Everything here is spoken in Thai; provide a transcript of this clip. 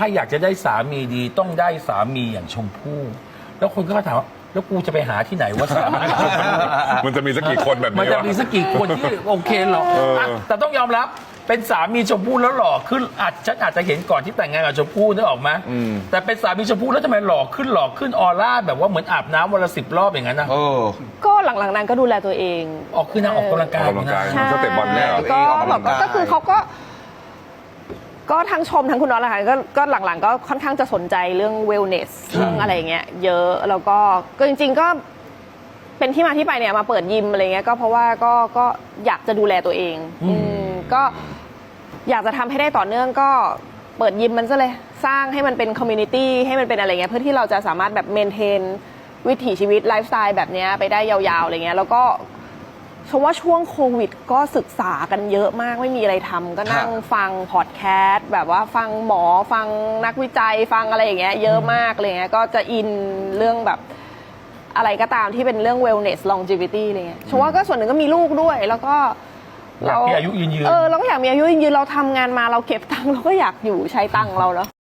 ถ้าอยากจะได้สามีดีต้องได้สามีอย่างชมพู่แล้วคนก็ถามว่าแล้วกูจะไปหาที่ไหนว่าสามีชมพู่มันจะมีสักกี่คนแบบมันนี้จะวะมีสักกี่คนที่โอเคหรอกะแต่ต้องยอมรับเป็นสามีชมพู่แล้วหล่อขึ้นฉันอาจจะเห็นก่อนที่แต่งงานกับชมพู่นึกออกไหมแต่เป็นสามีชมพู่แล้วทำไมหล่อขึ้นออร่าแบบว่าเหมือนอาบน้ำวันละ10 รอบอย่างนั้นนะก็หลังๆนั้นก็ดูแลตัวเองคือนางออกกำลังกายออกกำลังกายนะใช่ก็เตะบอลเนี่ยเหรอก็แบบก็คือเขาก็ทั้งชมทั้งคุณน็อตแหละค่ะก็หลังๆก็ค่อนข้างจะสนใจเรื่อง wellness เรื่องอะไรอย่างเงี้ยเยอะแล้วก็จริงๆก็เป็นที่มาที่ไปเนี่ยมาเปิดยิมอะไรเงี้ยก็เพราะว่าก็อยากจะดูแลตัวเองก็อยากจะทำให้ได้ต่อเนื่องก็เปิดยิมมันซะเลยสร้างให้มันเป็นคอมมูนิตี้ให้มันเป็นอะไรเงี้ยเพื่อที่เราจะสามารถแบบเมนเทนวิถีชีวิตไลฟ์สไตล์แบบเนี้ยไปได้ยาวๆอะไรเงี้ยแล้วก็เพราะว่าช่วงโควิดก็ศึกษากันเยอะมากไม่มีอะไรทำก็นั่งฟังพอดแคสต์แบบว่าฟังหมอฟังนักวิจัยฟังอะไรอย่างเงี้ยเยอะมากเลยเงี้ยก็จะอินเรื่องแบบอะไรก็ตามที่เป็นเรื่อง wellness longevity อะไรเงี้ยเพราะว่าก็ส่วนหนึ่งก็มีลูกด้วยแล้วก็อยากมีอายุยืนเราก็อยากมีอายุยืนเราทำงานมาเราเก็บตังค์เราก็อยากอยู่ใช้ตังค์เราเนาะ